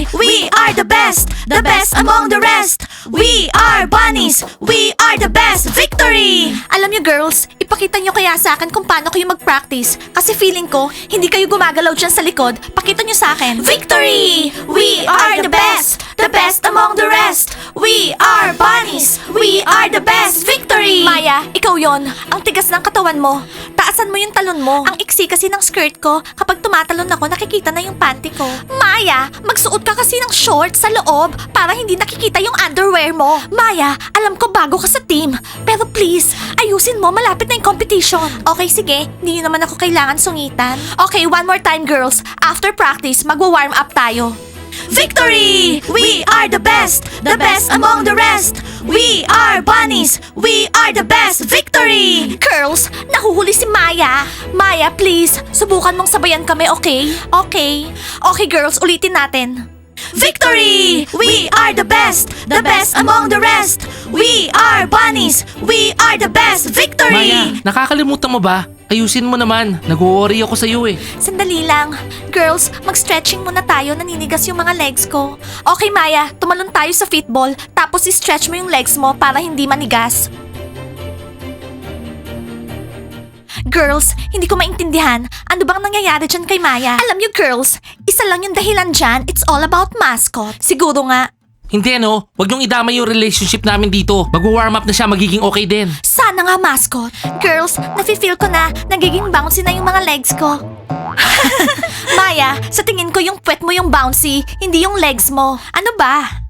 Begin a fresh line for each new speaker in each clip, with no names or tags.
We are the best among the rest. We are bunnies. We are the best. Victory! Alam niyo girls, ipakita niyo kaya sa akin kung paano kayo mag-practice. Kasi feeling ko, hindi kayo gumagalaw dyan sa likod. Pakita niyo sa akin. Victory! We are the best among the rest. We are bunnies. We are the best. Victory! Maya, ikaw yon. Ang tigas ng katawan mo. Taasan mo yung talon mo. Ang iksi kasi ng skirt ko. Kapag tumatalon ako, nakikita na yung panty ko. Maya, magsuot ka kasi ng shorts sa loob para hindi nakikita yung underwear mo. Maya, alam ko bago ka sa team. Pero please, ayusin mo, malapit na yung competition. Okay, sige. Hindi nyo naman ako kailangan sungitan. Okay, one more time girls. After practice, magwa-warm up tayo. Victory! We are the best among the rest. We are bunnies. We are the best. Victory! Girls, nahuhuli si Maya. Maya, please, subukan mong sabayan kami, okay? Okay. Okay, girls, ulitin natin. Victory! We are the best among the rest. We are bunnies. We are the best. Victory!
Maya, nakakalimutan mo ba? Ayusin mo naman. Nag-worry ako sa'yo eh.
Sandali lang. Girls, mag-stretching muna tayo. Naninigas yung mga legs ko. Okay, Maya. Tumalon tayo sa fitball. Tapos i-stretch mo yung legs mo para hindi manigas. Girls, hindi ko maintindihan. Ano bang nangyayari dyan kay Maya? Alam niyo girls, isa lang yung dahilan dyan. It's all about mascot. Siguro nga.
Hindi ano, wag niyong idamay yung relationship namin dito. Mag-warm up na siya, magiging okay din.
Sana nga mascot. Girls, nafe-feel ko na nagiging bouncy na yung mga legs ko. Maya, sa tingin ko yung puwet mo yung bouncy, hindi yung legs mo. Ano ba?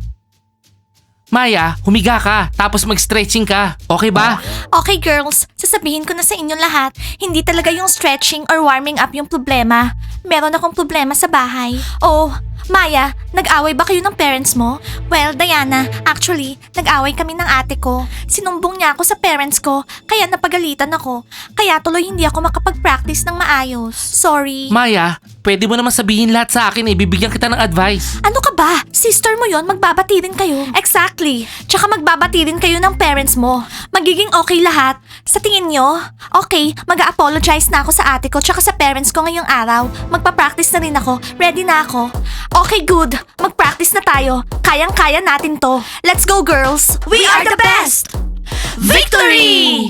Maya, humiga ka, tapos mag-stretching ka. Okay ba?
Okay girls, sasabihin ko na sa inyo lahat, hindi talaga yung stretching or warming up yung problema. Meron akong problema sa bahay. Oh, Maya, nag-away ba kayo ng parents mo? Well, Diana, actually, nag-away kami ng ate ko. Sinumbong niya ako sa parents ko, kaya napagalitan ako. Kaya tuloy hindi ako makapag-practice ng maayos. Sorry.
Maya, pwede mo naman sabihin lahat sa akin eh. Bibigyan kita ng advice.
Ano ka ba? Sister mo yon, magbabati rin kayo. Exactly. Tsaka magbabati rin kayo ng parents mo. Magiging okay lahat. Sa tingin nyo? Okay, mag-a-apologize na ako sa ate ko tsaka sa parents ko ngayong araw. Magpa-practice na rin ako. Ready na ako. Okay, good. Mag-practice na tayo. Kayang-kaya natin to. Let's go, girls. We are the best! Victory!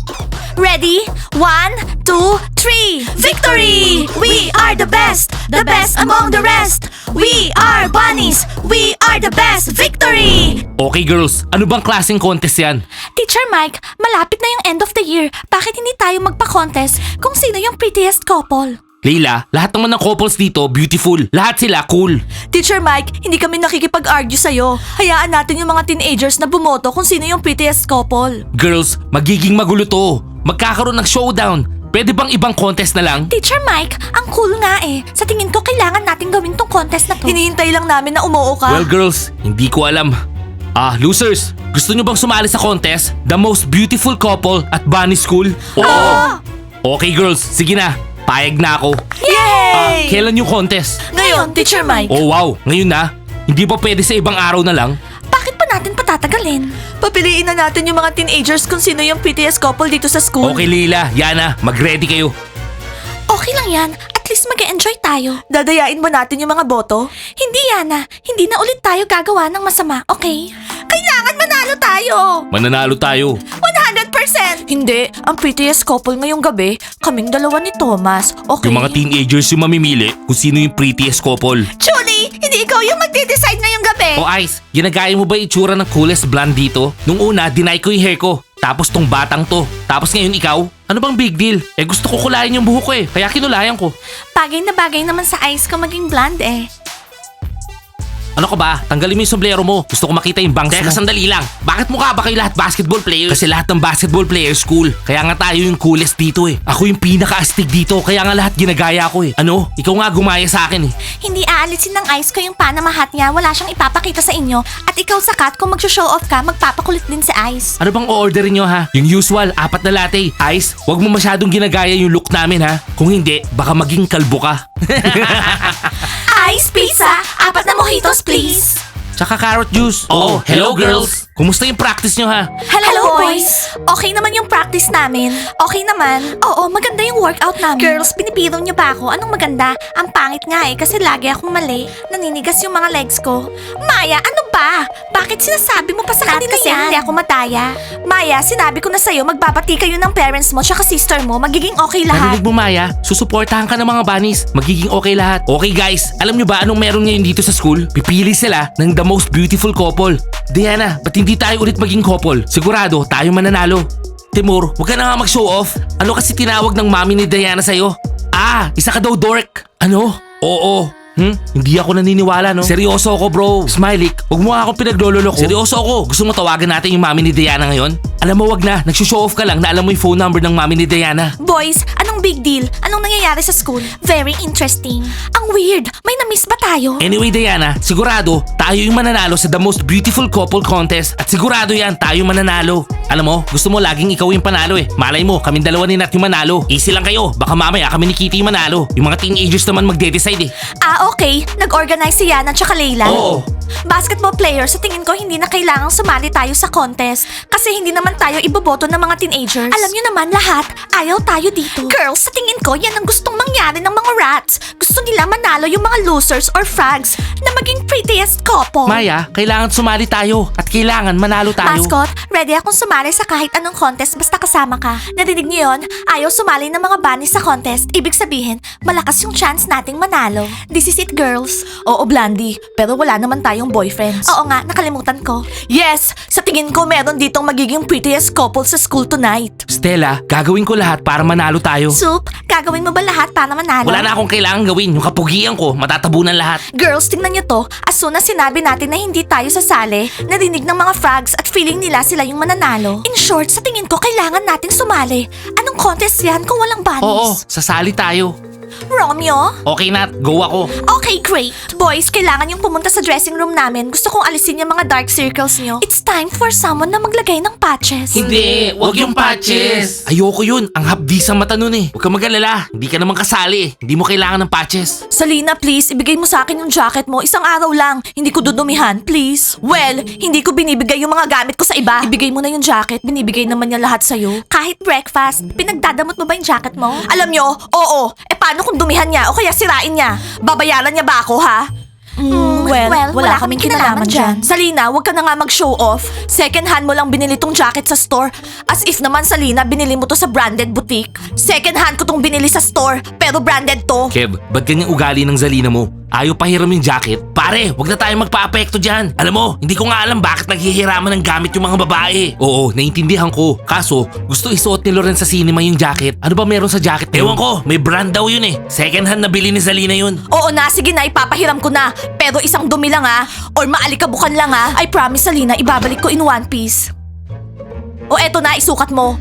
Ready? 1, 2, 3. Victory! We are the best among the rest. We are bunnies. We are the best. Victory!
Okay girls, ano bang klaseng contest yan?
Teacher Mike, malapit na yung end of the year. Bakit hindi tayo magpa-contest kung sino yung prettiest couple?
Leila, lahat naman ng couples dito, beautiful. Lahat sila cool.
Teacher Mike, hindi kami nakikipag-argue sa'yo. Hayaan natin yung mga teenagers na bumoto kung sino yung prettiest couple.
Girls, magiging magulo to. Magkakaroon ng showdown. Pwede bang ibang contest na lang?
Teacher Mike, ang cool nga eh. Sa tingin ko, kailangan natin gawin tong contest na to. Hinihintay lang namin na umuo ka.
Well girls, hindi ko alam. Losers, gusto nyo bang sumali sa contest? The most beautiful couple at Bunny School? Oo! Okay girls, sige na. Payag na ako.
Yay!
Kailan yung contest?
Ngayon, Teacher Mike.
Oh wow, ngayon na? Hindi ba pwede sa ibang araw na lang?
Bakit pa natin patatagalin? Papiliin na natin yung mga teenagers kung sino yung prettiest couple dito sa school.
Okay Leila, Yana, mag-ready kayo.
Okay lang yan. At least mag-enjoy tayo. Dadayain ba natin yung mga boto? Hindi, Yana. Hindi na ulit tayo gagawa ng masama, okay? Kailangan manalo tayo!
Mananalo tayo.
100%! Hindi. Ang prettiest couple ngayong gabi, kaming dalawa ni Thomas, okay?
Yung mga teenagers yung mamimili kung sino yung prettiest couple.
Julie, hindi ikaw yung magde-decide ngayong gabi!
O Ice, ginagaya mo ba yung itsura ng coolest blonde dito? Nung una, deny ko yung hair ko. Tapos tong batang to. Tapos ngayon ikaw? Ano bang big deal? Gusto ko kulayan yung buhok ko eh. Kaya kinulayan ko.
Bagay na bagay naman sa eyes ko maging blonde eh.
Ano ka ba? Tanggalin mo yung sombrero mo. Gusto ko makita yung bangs mo. Teka, sandali lang. Bakit mukha ba kayo lahat basketball players? Kasi lahat ng basketball players cool. Kaya nga tayo yung coolest dito eh. Ako yung pinaka-astig dito. Kaya nga lahat ginagaya ko eh. Ano? Ikaw nga gumaya sa akin eh.
Hindi aalisin ng ice ko yung Panama hat niya. Wala siyang ipapakita sa inyo. At ikaw sakat, kung mag-show off ka, magpapakulit din si Ice.
Ano bang o-orderin nyo ha? Yung usual, 4 na latte. Ice, wag mo masyadong ginagaya yung look namin ha. Kung hindi, baka maging kalbo ka.
Ice pizza, 4 na mojitos please.
Tsaka carrot juice.
Oh, hello, girls.
Kumusta yung practice nyo ha?
Hello, boys! Okay naman yung practice namin. Okay naman. Oo, maganda yung workout namin. Girls, pinipiro niyo ba ako? Anong maganda? Ang pangit nga kasi lagi akong mali. Naninigas yung mga legs ko. Maya, ano ba? Bakit sinasabi mo pa sa kanila kasi yan? Hindi ako mataya. Maya, sinabi ko na sa'yo, magbabati kayo ng parents mo tsaka sister mo. Magiging okay lahat.
Narinig mo Maya? Susuportahan ka ng mga bunnies. Magiging okay lahat. Okay guys, alam nyo ba anong meron ngayon dito sa school? Pipili sila ng the most beautiful couple. Diana, ba't hindi tayo ulit maging couple? Sigurado, tayo mananalo. Timur, huwag ka na nga mag-show off. Ano kasi tinawag ng mami ni Diana sa'yo? Isa ka daw dork. Ano? Oo. Hindi ako naniniwala, no? Seryoso ako, bro. Smiley, huwag mo nga akong pinaglololo ko. Seryoso ako. Gusto mo tawagan natin yung mami ni Diana ngayon? Alam mo, wag na. Nagsushow off ka lang na alam mo yung phone number ng mami ni Diana.
Boys, anong big deal? Anong nangyayari sa school? Very interesting. Ang weird. May na-miss ba tayo?
Anyway, Diana, sigurado, tayo yung mananalo sa The Most Beautiful Couple Contest. At sigurado yan, tayo mananalo. Alam mo, gusto mo laging ikaw yung panalo eh. Malay mo, kaming dalawa ni Nat yung manalo. Easy lang kayo. Baka mamaya kami ni Kitty yung manalo. Yung mga teenagers naman magde-decide eh.
Okay. Nag-organize si Yana at Layla.
Oo.
Basketball players, sa tingin ko hindi na kailangang sumali tayo sa contest. Kasi hindi naman tayo iboboto ng mga teenagers. Alam nyo naman lahat, ayaw tayo dito. Girls, sa tingin ko, yan ang gustong mangyari ng mga rats. Gusto nila manalo yung mga losers or frags na maging prettiest couple.
Maya, kailangan sumali tayo. At kailangan manalo tayo.
Mascot, ready akong sumali sa kahit anong contest basta kasama ka. Narinig niyo yun? Ayaw sumali ng mga bunnies sa contest. Ibig sabihin, malakas yung chance nating manalo. This is it, girls. Oo, Blandy. Pero wala naman tayong boyfriends. Oo nga, nakalimutan ko. Yes! Sa tingin ko, meron ditong magiging prettiest couple sa school tonight.
Stella, gagawin ko lahat para manalo tayo.
Soup, gagawin mo ba lahat para manalo?
Wala na akong kailangan gawin. Yung kapugian ko, matatabunan lahat.
Girls, tingnan niyo to. As soon as sinabi natin na hindi tayo sasali, narinig ng mga frogs at feeling nila sila yung mananalo. In short, sa tingin ko, kailangan nating sumali. Anong contest yan kung walang bunnies?
Oo, sasali tayo.
Romeo?
Okay Nat, go ako.
Okay, great. Boys, kailangan yung pumunta sa dressing room namin. Gusto kong alisin yung mga dark circles nyo. It's time for someone na maglagay ng patches.
Hindi, wag yung patches. Ayoko yun, ang hapdi sa mata nun eh. Huwag ka mag-alala, hindi ka naman kasali eh. Hindi mo kailangan ng patches.
Salina, please, ibigay mo sa akin yung jacket mo. Isang araw lang. Hindi ko dudumihan, please. Well, hindi ko binibigay yung mga gamit ko sa iba. Ibigay mo na yung jacket. Binibigay naman niya lahat sa'yo. Kahit breakfast, pinagdadamot mo ba yung jacket mo? Alam nyo, oo. Paano kung dumihan niya o kaya sirain niya? Babayaran niya ba ako, ha? Well, wala kaming kinalaman dyan. Salina, wag ka na nga mag-show off. Second hand mo lang binili tong jacket sa store. As if naman, Salina, binili mo to sa branded boutique. Second hand ko tong binili sa store, pero branded to.
Kev, ba't ganyang ugali ng Zalina mo? Ayaw pahiram yung jacket? Pare, wag na tayo magpa-apekto dyan. Alam mo, hindi ko nga alam bakit naghihiraman ng gamit yung mga babae. Oo, naiintindihan ko. Kaso, gusto isuot ni Loren sa cinema yung jacket. Ano ba meron sa jacket? Ewan ko, may brand daw yun eh. Second hand na bili ni Zalina yun.
Oo na, sige na, ipapahiram ko na. Pero isang dumi lang ha, or maalikabukan lang ha. I promise, Salina, ibabalik ko in one piece. O eto na, isukat mo.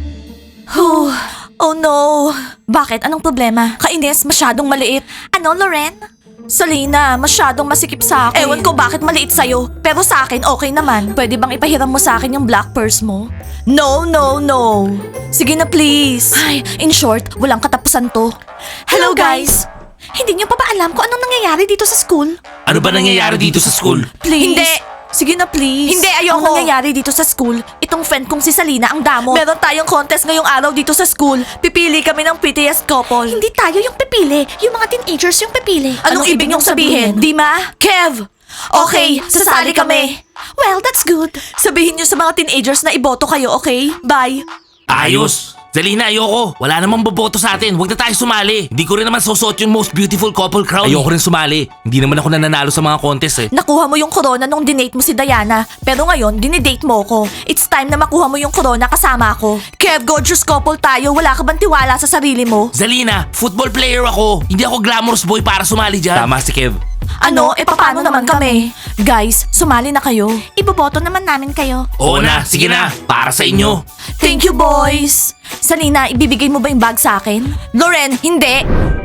Oh no. Bakit? Anong problema? Kainis, masyadong maliit. Ano, Loren? Salina, masyadong masikip sa akin. Ewan ko bakit maliit sa'yo. Pero sa akin, okay naman. Pwede bang ipahiram mo sa akin yung black purse mo? No, no, no. Sige na please. Ay, in short, walang katapusan to. Hello guys! Hindi niyo pa ba alam kung anong nangyayari dito sa school?
Ano ba nangyayari dito sa school?
Please. Hindi. Sige na please. Hindi, ayoko. Ang nangyayari dito sa school, itong friend kong si Salina ang damo. Meron tayong contest ngayong araw dito sa school. Pipili kami ng prettiest couple. Hindi tayo yung pipili. Yung mga teenagers yung pipili. Anong ibig niyong sabihin? Dima? Kev? Okay, sasali kami. Well, that's good. Sabihin niyo sa mga teenagers na iboto kayo, okay? Bye.
Ayos! Zalina, ayoko. Wala namang boboto sa atin. Huwag na tayo sumali. Hindi ko rin naman susuot yung most beautiful couple crown. Ayoko rin sumali. Hindi naman ako nananalo sa mga contest eh.
Nakuha mo yung corona nung dinate mo si Diana. Pero ngayon, dinidate mo ko. It's time na makuha mo yung corona kasama ko. Kev, gorgeous couple tayo. Wala ka bang tiwala sa sarili mo?
Zalina, football player ako. Hindi ako glamorous boy para sumali dyan. Tama si Kev.
Ano? Paano naman kami? Guys, sumali na kayo. Iboboto naman namin kayo.
Oo na, sige na. Para sa inyo.
Thank you, boys! Salina, ibibigay mo ba yung bag sa akin? Loren, hindi!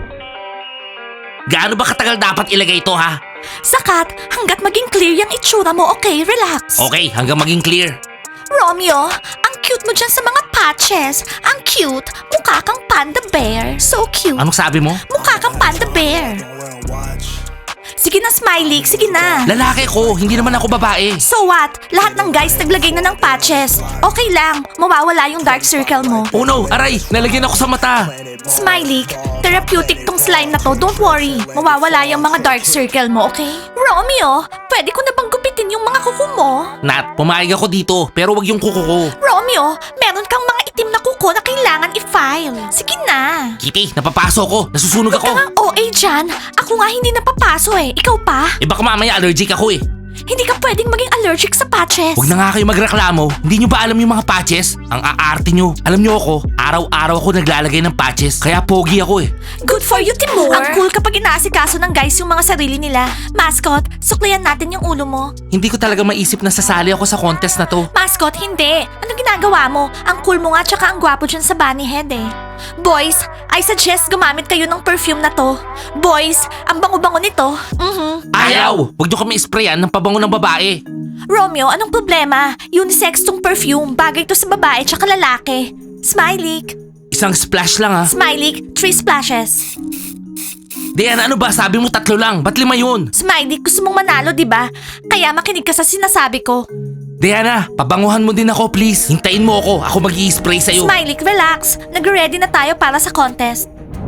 Gaano ba katagal dapat ilagay ito ha?
Sakat, hanggat maging clear yung itsura mo, okay? Relax.
Okay, hanggang maging clear.
Romeo, ang cute mo dyan sa mga patches. Ang cute. Mukha kang panda bear. So cute.
Anong sabi mo?
Mukha kang panda bear. Sige na, Smiley. Sige na.
Lalaki ko, hindi naman ako babae.
So what? Lahat ng guys naglagay na ng patches. Okay lang, mawawala yung dark circle mo.
Oh no, aray, nalagyan ako sa mata.
Smiley, therapeutic tong slime na to. Don't worry, mawawala yung mga dark circle mo, okay? Romeo, pwede ko na bang gupitin yung mga kuko mo?
Nat, pumayag ako dito, pero wag yung kuko ko.
Romeo, meron kang mga itim na kuko na kailangan i-file. Sige na.
Kitty, napapaso ko. Nasusunog
Huwag ka
ako.
nga OA dyan. Ako nga hindi napapaso eh. Ikaw pa?
Eh baka mamaya allergic ako eh.
Hindi ka pwedeng maging allergic sa patches.
Huwag na nga kayo magreklamo. Hindi nyo ba alam yung mga patches? Ang aarte nyo. Alam nyo ako, araw-araw ako naglalagay ng patches. Kaya pogi ako eh.
Good for you, Timur. Ang cool kapag inaasikaso ng guys yung mga sarili nila. Mascot, suklihan natin yung ulo mo.
Hindi ko talaga maisip na sasali ako sa contest na to.
Mascot, hindi. Anong ginagawa mo? Ang cool mo nga tsaka ang gwapo dyan sa bunny head eh. Boys, I suggest gumamit kayo ng perfume na to. Boys, ang bango-bango nito.
Ayaw! Huwag nyo kami sprayan ng pabango ng babae.
Romeo, anong problema? Unisex tong perfume. Bagay to sa babae tsaka lalaki. Smiley.
Isang splash lang ha.
Smiley, 3 splashes.
Diana, ano ba? Sabi mo 3 lang. Ba't 5 yun?
Smiley, gusto mong manalo, di ba? Kaya makinig ka sa sinasabi ko.
Diana, pabanguhan mo din ako please. Hintayin mo ako. Ako mag-i-spray sa'yo.
Smiley, relax. Nag-ready na tayo para sa contest.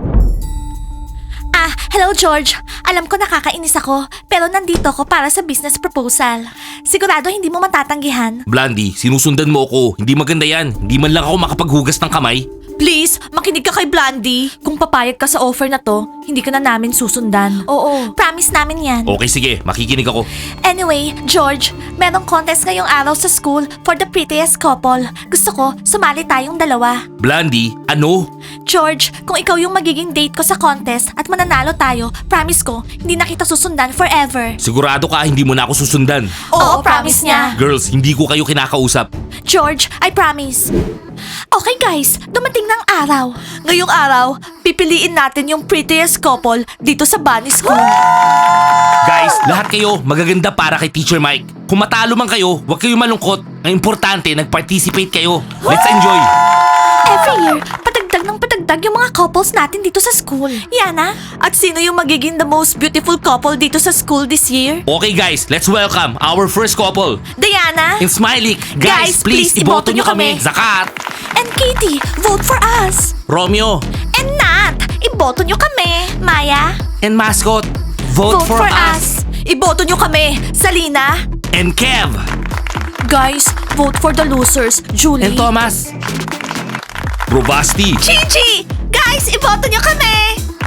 Hello George. Alam ko nakakainis ako, pero nandito ako para sa business proposal. Sigurado hindi mo matatanggihan.
Blandy, sinusundan mo ako. Hindi maganda yan. Hindi man lang ako makapaghugas ng kamay.
Please, makinig ka kay Blondie. Kung papayag ka sa offer na to, hindi ka na namin susundan. Oo. Promise namin yan.
Okay, sige. Makikinig ako.
Anyway, George, merong contest ngayong araw sa school for the prettiest couple. Gusto ko, sumali tayong dalawa.
Blandy, ano?
George, kung ikaw yung magiging date ko sa contest at mananalo tayo, promise ko, hindi na kita susundan forever.
Sigurado ka hindi mo na ako susundan.
Oo, promise niya.
Girls, hindi ko kayo kinakausap.
George, I promise. Okay guys, dumating ng araw. Ngayong araw, pipiliin natin yung prettiest couple dito sa Bunny School.
Guys, lahat kayo magaganda para kay Teacher Mike. Kung matalo man kayo, huwag kayo malungkot. Ang importante, nag-participate kayo. Let's enjoy!
Every year, patagdag yung mga couples natin dito sa school. Yana, at sino yung magiging the most beautiful couple dito sa school this year?
Okay guys, let's welcome our first couple.
Diana
In Smiley.
Guys, please, iboto nyo kami.
Zakat!
and Katie, vote for us.
Romeo!
And Nat, iboto nyo kami. Maya,
And Mascot! Vote, for us!
Iboto nyo kami. Salina.
And Kev!
Guys, vote for the losers. Julie.
And Thomas! Robasti!
Gigi! Guys, iboto nyo kami.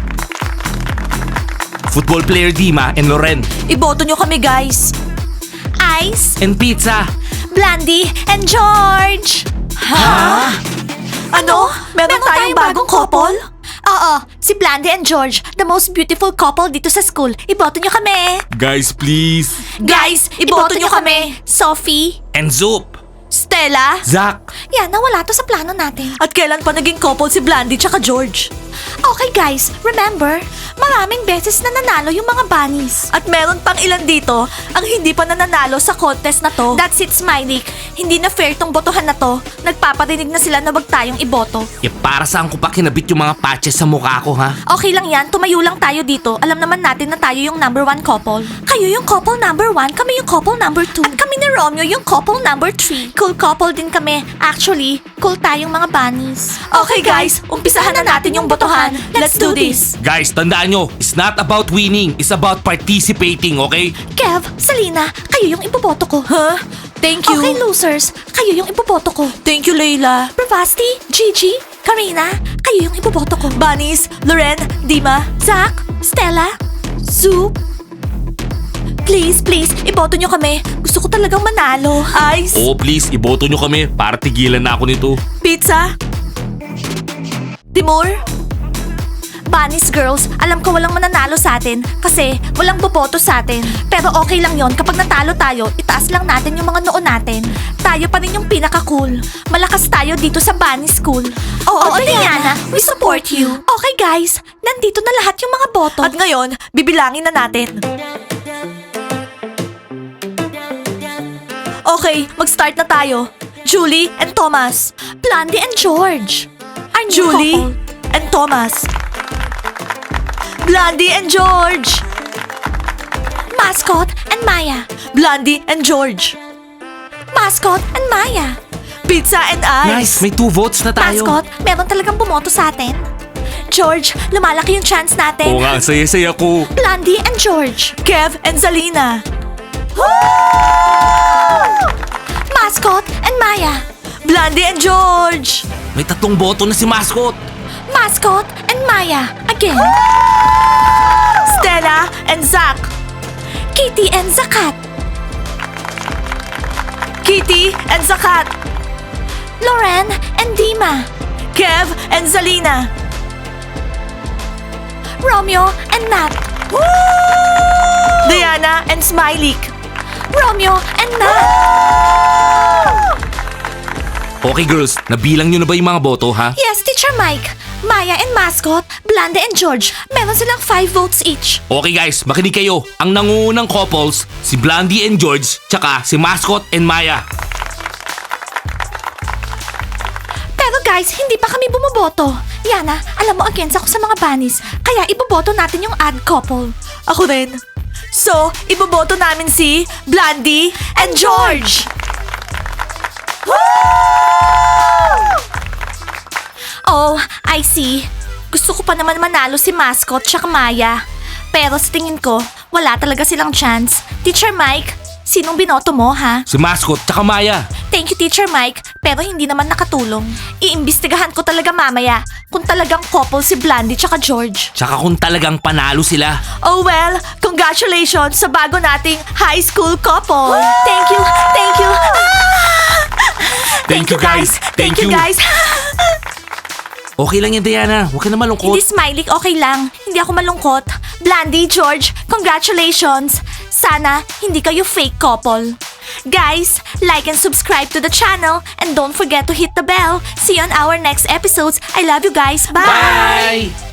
Football player Dima and Loren.
Iboto nyo kami, guys. Ice,
And Pizza!
Blandy, and George. Ha? Ano? Meron tayong bagong couple? Oo, si Blandy and George, the most beautiful couple dito sa school. Iboto nyo kami.
Guys, please!
Guys, iboto nyo kami. Sophie,
And Zoop!
Stella.
Zach!
Yan, nawala to sa plano natin. At kailan pa naging couple si Blandy tsaka George? Okay guys, remember, maraming beses na nanalo yung mga bunnies. At meron pang ilan dito ang hindi pa nananalo sa contest na to. That's it, Smiley. Hindi na fair tong botohan na to. Nagpaparinig na sila na wag tayong iboto.
Eh para saan ko pa kinabit yung mga patches sa mukha ko ha?
Okay lang yan, tumayo lang tayo dito. Alam naman natin na tayo yung number 1 couple. Kayo yung couple number 1, kami yung couple number 2. At kami ni Romeo yung couple number 3. Cool couple din kami. Actually, cool tayong mga bunnies. Okay guys, umpisahan na natin yung botohan. Let's do this.
Guys, tandaan nyo, it's not about winning, it's about participating, okay?
Kev, Salina, kayo yung iboboto ko. Huh? Thank you. Okay, losers, kayo yung iboboto ko. Thank you, Layla. Bravasti, Gigi, Karina, kayo yung iboboto ko. Bunnies, Loren, Dima, Zach, Stella, Soup. Please, please, iboto nyo kami. Gusto ko talagang manalo. Ice,
Oo, please, iboto nyo kami para tigilan na ako nito.
Pizza, Timur. Bunnies girls, alam ko walang mananalo sa atin kasi walang boboto sa atin. Pero okay lang yon kapag natalo tayo, itaas lang natin yung mga noo natin. Tayo pa rin yung pinaka-cool. Malakas tayo dito sa Bunny School. Oo, Diana, we support you. Okay guys, nandito na lahat yung mga boto. At ngayon, bibilangin na natin. Okay, mag-start na tayo. Julie and Thomas. Blondie and George. Our new
Julie
couple. And Thomas. Blondie and George. Mascot and Maya. Blondie and George. Mascot and Maya. Pizza and
Nice, may 2 votes na tayo.
Mascot, meron talagang bumoto sa atin. George, lumalaki yung chance natin.
Oo nga, saya-saya ko.
Blondie and George. Kev and Zalina. Mascot and Maya. Blondie and George.
May 3 boto na si Mascot.
Mascot and Maya. Again. Stella and Zach. Kitty and Zakat. Kitty and Zakat. Loren and Dima. Kev and Zalina. Romeo and Nat. Diana and Smiley. Romeo and Nat.
Okay girls, nabilang nyo na ba yung mga boto ha?
Yes, Teacher Mike. Maya and Mascot, Blondie and George, meron silang 5 votes each.
Okay guys, makinig kayo. Ang nangungunang couples, si Blondie and George, tsaka si Mascot and Maya.
Pero guys, hindi pa kami bumoboto. Yana, alam mo against ako sa mga bunnies, kaya iboboto natin yung odd couple. Ako rin. So, iboboto namin si Blondie and George. Oh, I see. Gusto ko pa naman manalo si Mascot tsaka Maya. Pero sa tingin ko, wala talaga silang chance. Teacher Mike, sinong binoto mo ha?
Si Mascot tsaka Maya.
Thank you, Teacher Mike, pero hindi naman nakatulong. Iimbestigahan ko talaga mamaya kung talagang couple si Blondie tsaka George.
Tsaka kung talagang panalo sila.
Oh well, congratulations sa bago nating high school couple. Thank you, thank you.
Thank you, guys.
Thank you
Thank you.
guys.
Okay lang yan Diana, huwag ka na malungkot.
Hindi Smiley, okay lang. Hindi ako malungkot. Blondie, George, congratulations. Sana hindi kayo fake couple. Guys, like and subscribe to the channel and don't forget to hit the bell. See you on our next episodes. I love you guys. Bye!
Bye!